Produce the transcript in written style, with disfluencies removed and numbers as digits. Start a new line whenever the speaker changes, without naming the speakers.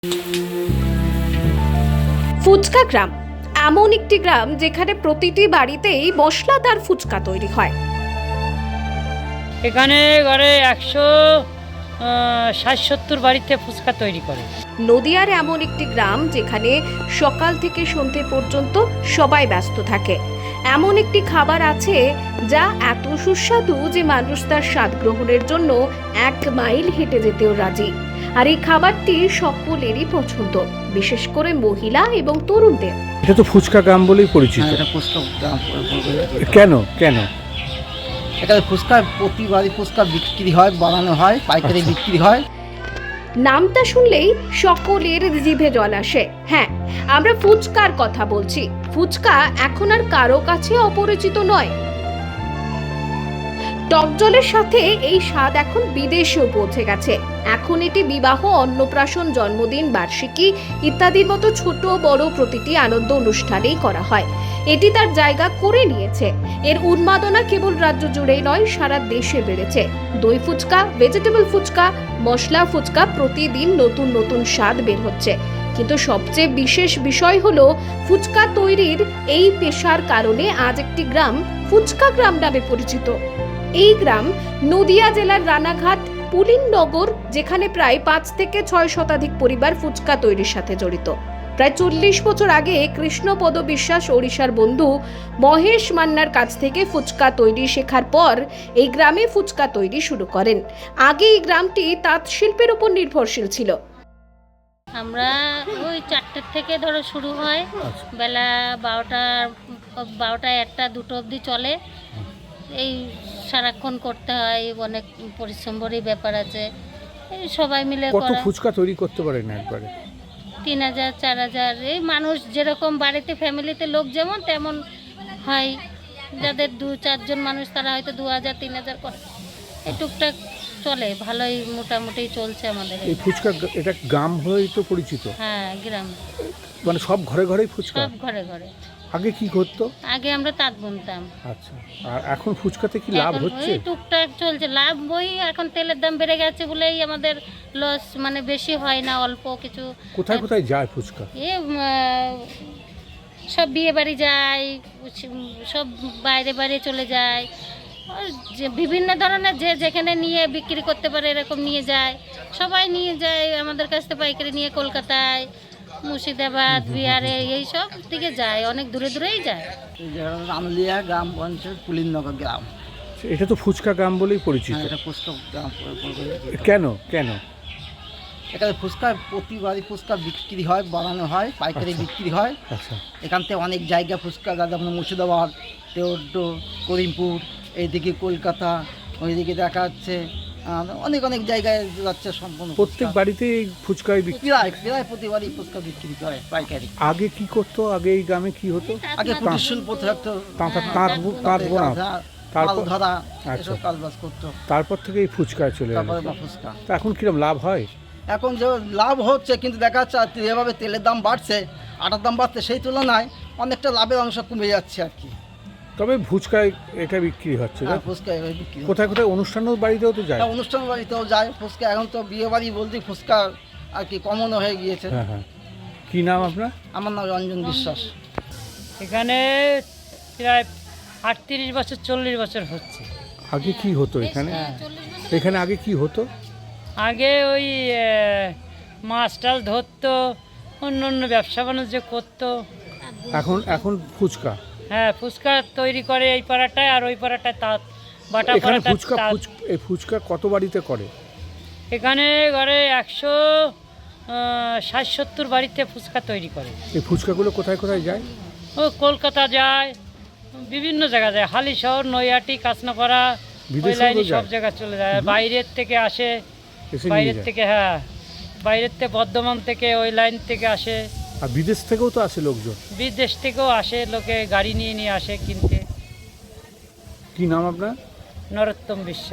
ফুচকা গ্রাম এমন একটি গ্রাম যেখানে প্রতিটি বাড়িতেই মশলাদার ফুচকা তৈরি হয়।
এখানে ঘরে 160-70 বাড়িতে ফুচকা তৈরি করে।
নদিয়ার এমন একটি গ্রাম যেখানে সকাল থেকে সন্ধে পর্যন্ত সবাই ব্যস্ত থাকে। এমন একটি খাবার আছে যা এত সুস্বাদু যে মানুষ তার স্বাদ গ্রহণের জন্য 1 মাইল হেঁটে যেতেও রাজি। আর এই খাবারটি সকলেরই পছন্দ, বিশেষ করে মহিলা এবং তরুণদের।
এটা তো ফুচকা গ্রাম বলেই পরিচিত।
এটা ফুচকা গ্রাম
কেন কেন
এখানে ফুচকা প্রতিবারই ফুচকা বিক্রি হয়, বানানো হয়, পাইকারি বিক্রি হয়।
নামটা শুনলেই সকলের জিভে জল আসে। হ্যাঁ, আমরা ফুচকার কথা বলছি। ফুচকা এখন আর কারো কাছে অপরিচিত নয়। টক জলের সাথে এই স্বাদ এখন বিদেশেও পৌঁছে গেছে। এখন এটি বিবাহ, অন্নপ্রাশন, জন্মদিন, বার্ষিকী ইত্যাদির মতো ছোট বড় প্রতিটি আনন্দ অনুষ্ঠানেই করা হয়। এটি তার জায়গা করে নিয়েছে। এর উন্মাদনা কেবল রাজ্য জুড়েই নয়, সারা দেশে বেড়েছে। দই ফুচকা, ভেজিটেবল ফুচকা, মশলা ফুচকা, প্রতিদিন নতুন নতুন স্বাদ বের হচ্ছে। কিন্তু সবচেয়ে বিশেষ বিষয় হলো ফুচকা তৈরির এই পেশার কারণে আজ একটি গ্রাম ফুচকা গ্রাম নামে পরিচিত। এই গ্রাম নদিয়া জেলার রানাঘাট পুলিননগর, যেখানে প্রায় 5 থেকে 6 শতাধিক পরিবার ফুচকা তৈরির সাথে জড়িত। প্রায় 40 বছর আগে কৃষ্ণপদ বিশ্বাস ওড়িশার বন্ধু মহেশ মান্নার কাছ থেকে ফুচকা তৈরি শেখার পর এই গ্রামে ফুচকা তৈরি শুরু করেন। আগে এই গ্রামটি তাঁত শিল্পের উপর নির্ভরশীল ছিল।
আমরা ওই 4টের থেকে ধরো শুরু হয়, বেলা 12টা 1টা 2টো অবধি চলে। এই সারাক্ষণ করতে হয়, অনেক পরিশ্রমেরই ব্যাপার আছে। এই সবাই মিলে
কত
করা।
ফুচকা তৈরি করতে পারেন একবারে?
3000 4000, এই মানুষ যেরকম বাড়িতে ফ্যামিলিতে লোক যেমন তেমন হয়। যাদের 2-4 জন মানুষ তারা হয়তো 2000 3000 করে। এই টুকটাক চলে, ভালোই মোটামুটি চলছে আমাদের।
এই ফুচকা এটা গ্রাম হয়েই তো পরিচিত।
হ্যাঁ, গ্রাম,
মানে সব ঘরে ঘরেই ফুচকা।
সব ঘরে ঘরে।
আগে কি করতো?
আগে আমরা তাঁত বুনতাম।
আচ্ছা, আর এখন ফুচকাতে কি লাভ
এখন
হচ্ছে?
ওই টুকটাক চলছে, লাভ বই। এখন তেলের দাম বেড়ে গেছে বলেই আমাদের লস, মানে বেশি হয় না, অল্প কিছু।
কোথায় কোথায় যায় ফুচকা?
সব বিয়ে বাড়ি যায়, সব বাইরে বাইরে চলে যায়। আর যে বিভিন্ন ধরনের যে যেখানে নিয়ে বিক্রি করতে পারে এরকম নিয়ে যায়, সবাই নিয়ে যায় আমাদের কাছ থেকে পাইকারি নিয়ে। কলকাতায়, মুর্শিদাবাদ, বিহারে এই সব দিকে যায়, অনেক দূরে দূরেই যায়।
রামলিয়া গ্রাম পঞ্চায়েত পুলিননগর গ্রাম।
এটা তো ফুচকা গ্রাম বলেই পরিচিত।
এটা ফুচকা গ্রাম।
কেন কেন
এখানে ফুচকা প্রতিবারই ফুচকা বিক্রি হয়, বানানো হয়, পাইকারি বিক্রি হয়।
আচ্ছা,
এখান থেকে অনেক জায়গা ফুচকা, যেমন মুর্শিদাবাদ, তেউড্ডো, করিমপুর, এইদিকে কলকাতা, ওইদিকে দেখা যাচ্ছে অনেক অনেক জায়গায় যাচ্ছে। সম্পূর্ণ
প্রত্যেক বাড়িতেই ফুচকাই বিক্রি।
প্রায় প্রতিবারই ফুচকা বিক্রি করে পাইকারি।
আগে কি করতো? আগে এই গ্রামে কি হতো?
আগে কুটির শিল্প থাকতো,
তাঁত বোনা, তারপর
ধরা,
আচ্ছা,
এসব কাজবাজ করতো।
তারপর থেকে এই ফুচকায় চলে গেল।
তারপরে ফুচকা।
তা এখন কিরকম লাভ হয়?
এখন যে লাভ হচ্ছে, কিন্তু দেখা যাচ্ছে যেভাবে তেলের দাম বাড়ছে, আটার দাম বাড়ছে, সেই তুলনায় অনেকটা লাভের অংশ কমে যাচ্ছে আর কি।
তবে ফুচকায় এটা বিক্রি হচ্ছে।
হ্যাঁ, ফুচকা এভাবে বিক্রি হচ্ছে।
কোথায় কোথায় অনুষ্ঠানের বাড়িতেও তো যায়।
হ্যাঁ, অনুষ্ঠান বাড়িতেও যায় ফুচকা। এখন তো বিয়ে বাড়ি বলতে ফুচকা আর কি কমনও হয়ে গিয়েছে।
হ্যাঁ হ্যাঁ। কি নাম আপনার?
আমার নাম রঞ্জন বিশ্বাস।
এখানে প্রায় 38 বছর 40 বছর হচ্ছে।
আগে কি হতো এখানে? এখানে আগে কি হতো?
আগে ওই মাছ টাছ ধরতো, অন্য অন্য ব্যবসা বাণিজ্য করতো।
এখন ফুচকা।
হ্যাঁ, ফুচকা তৈরি করে এই পাড়াটায়, আর ওই পাড়াটায় তাঁত বাটা
এখানে
পাড়াটায়
এই ফুচকা কত বাড়িতে করে?
এখানে ঘরে 160-70 বাড়িতে ফুচকা তৈরি করে।
এই ফুচকাগুলো কোথায় কোথায় যায়?
ও কলকাতা যায়, বিভিন্ন জায়গা যায়, হালিশহর, নৈহাটি, কাঁচনাপাড়া, ওই
বিদেশেও
লাইনে
তো
সব
যায়?
জায়গায় চলে যায়। আর বাইরের থেকে আসে,
এসে নিয়ে
বাইরের
যায়?
থেকে, হ্যাঁ, বাইরের থেকে বর্ধমান থেকে ওই লাইন থেকে আসে।
আর বিদেশ থেকেও তো আসে লোকজন।
বিদেশ থেকেও আসে, লোকে গাড়ি নিয়ে নিয়ে আসে কিনতে।
কি নাম আপনার?
নরোত্তম বিশ্বাস।